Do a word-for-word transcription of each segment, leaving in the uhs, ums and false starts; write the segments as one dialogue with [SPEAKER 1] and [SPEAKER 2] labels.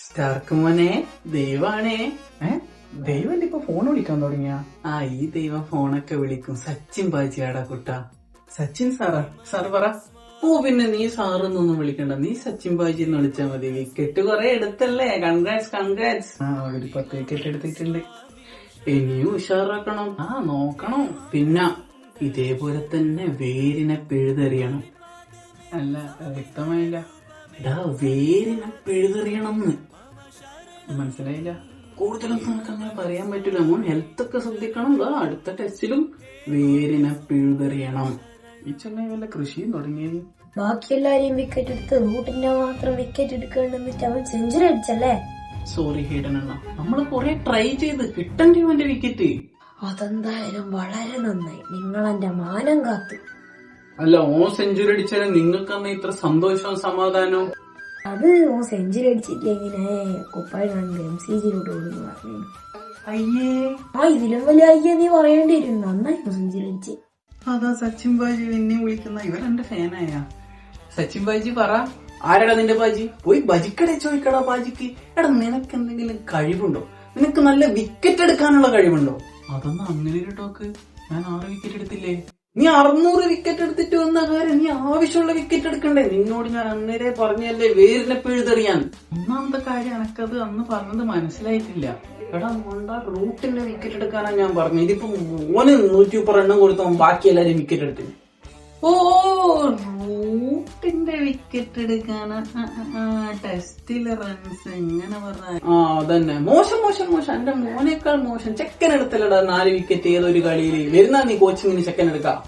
[SPEAKER 1] Stark മോനെ, ദൈവാണേ.
[SPEAKER 2] ഏ ദൈവം ഇപ്പൊ ഫോൺ വിളിക്കാൻ തുടങ്ങിയ?
[SPEAKER 1] ആ ഈ ദൈവം ഫോണൊക്കെ വിളിക്കും. സച്ചിൻ ബാജിയാടാ കുട്ട.
[SPEAKER 2] സച്ചിൻ സാറാ? സാർ പറ.
[SPEAKER 1] ഓ പിന്നെ നീ സാറൊന്നും വിളിക്കണ്ട, നീ സച്ചിൻ ബാജി എന്ന് വിളിച്ചാ മതി. വിക്കറ്റ് കൊറേ എടുത്തല്ലേ, കൺഗ്രാറ്റ്സ് കൺഗ്രാറ്റ്സ്.
[SPEAKER 2] ആ ഒരു പത്ത് വിക്കറ്റ് എടുത്തിട്ടുണ്ട്.
[SPEAKER 1] ഇനിയും ഉഷാറാക്കണം. ആ നോക്കണം. പിന്നെ ഇതേപോലെ തന്നെ വേരിനെ പിഴുതെറിയണം.
[SPEAKER 2] അല്ല വ്യക്തമായില്ല.
[SPEAKER 1] എടാ വേരിനെ പിഴുതെറിയണമെന്ന്
[SPEAKER 2] മനസ്സിലായില്ല.
[SPEAKER 1] കൂടുതലൊന്നും നമുക്ക് അങ്ങനെ പറയാൻ പറ്റൂല. മോൻ ഹെൽത്ത് ഒക്കെ ശ്രദ്ധിക്കണം. ദാ അടുത്ത ടെസ്റ്റിലും വേരിനെ പിഴുതെറിയണം.
[SPEAKER 2] ഈ ചെന്നൈ വല്ല കൃഷിയും തുടങ്ങിയത്?
[SPEAKER 3] ബാക്കി എല്ലാരെയും വിക്കറ്റ് എടുത്ത് റൂട്ടിന്റെ മാത്രം വിക്കറ്റ് എടുക്കണ്ടെന്നിട്ട് അവൻ സെഞ്ചുറി അടിച്ചല്ലേ?
[SPEAKER 1] സോറി ഹീഡനണ്ണ, നമ്മള് കൊറേ ട്രൈ ചെയ്ത് കിട്ടണ്ടേ അവന്റെ വിക്കറ്റ്.
[SPEAKER 3] അതെന്തായാലും വളരെ നന്നായി. നിങ്ങൾ എന്റെ മാനം കാത്തു.
[SPEAKER 1] അല്ല, ഓ സെഞ്ചുറി അടിച്ചാലും നിങ്ങൾക്ക് അന്ന് ഇത്ര സന്തോഷവും സമാധാനവും.
[SPEAKER 3] അത് ഓ സെഞ്ചുറി അടിച്ചില്ല ഇങ്ങനെ കുപ്പായി കണ്ട് എം സി ജിയിലോട്ട് ഓടുന്നു പറഞ്ഞു.
[SPEAKER 1] അയ്യേ,
[SPEAKER 3] ആ ഇതിലും വലിയ അയ്യേ നീ പറയേണ്ടി വരും. നന്നായിരുന്നു സെഞ്ചുറി അടിച്ച്.
[SPEAKER 1] അതാ സച്ചിൻ ബാജി എന്നെ വിളിക്കുന്ന. ഇവർ എന്റെ ഫാനായ സച്ചിൻ ബാജി. പറ, ആരടാ നിന്റെ ബാജി? പോയി ബജിക്കടെ ചോദിക്കടാ ബാജിക്ക്. എടാ നിനക്ക് എന്തെങ്കിലും കഴിവുണ്ടോ? നിനക്ക് നല്ല വിക്കറ്റ് എടുക്കാനുള്ള കഴിവുണ്ടോ? അതൊന്നും അങ്ങനെ ഒരു ടോക്ക്. ഞാൻ ആറ് വിക്കറ്റ് എടുത്തില്ലേ? നീ അറുന്നൂറ് വിക്കറ്റ് എടുത്തിട്ട് വന്ന കാര്യം നീ ആവശ്യമുള്ള വിക്കറ്റ് എടുക്കണ്ടേ? നിന്നോട് ഞാൻ അന്നേരെ പറഞ്ഞല്ലേ വേരിനെ പിഴുതെറിയാൻ. ഒന്നാമത്തെ കാര്യം എനക്കത് അന്ന് പറഞ്ഞത് മനസ്സിലായിട്ടില്ല. എടാ മോണ്ട, റൂട്ടിന്റെ വിക്കറ്റ് എടുക്കാനാ ഞാൻ പറഞ്ഞു. ഇതിപ്പോ മോന് നൂറ്റി മുപ്പത് എണ്ണം കൊടുത്തോ ബാക്കി എല്ലാരും വിക്കറ്റ് എടുത്തു. ഓ റൂട്ടിന്റെ വിക്കറ്റ് എടുക്കാനാ? ടെസ്റ്റിലെ റൺസ് എങ്ങനെ പറഞ്ഞ? ആ അതന്നെ, മോശം മോശം മോശം. എന്റെ മോനേക്കാൾ മോശം. ചെക്കൻ എടുത്തല്ലടാ നാല് വിക്കറ്റ് ഏതൊരു കളിയില്. വരുന്ന നീ കോച്ചിങ്ങിന് ചെക്കൻ എടുക്കാം.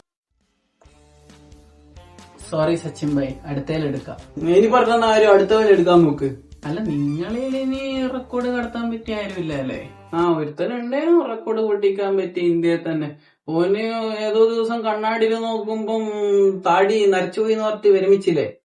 [SPEAKER 1] സോറി സച്ചിൻ ഭായ്, അടുത്തേലെടുക്കാം. ഇനി പറഞ്ഞ ആരും അടുത്തവരെ എടുക്കാൻ നോക്ക്. അല്ല, നിങ്ങളിൽ ഇനി റെക്കോർഡ് കടത്താൻ പറ്റിയ ആരുമില്ല അല്ലേ? ആ ഒരുത്തനുണ്ടേനു റെക്കോർഡ് പൊട്ടിക്കാൻ പറ്റിയ ഇന്ത്യയിൽ തന്നെ. ഓന് ഏതോ ദിവസം കണ്ണാടിയിൽ നോക്കുമ്പം താടി നരച്ചുപോയി എന്ന് പറഞ്ഞിട്ട് വിരമിച്ചില്ലേ?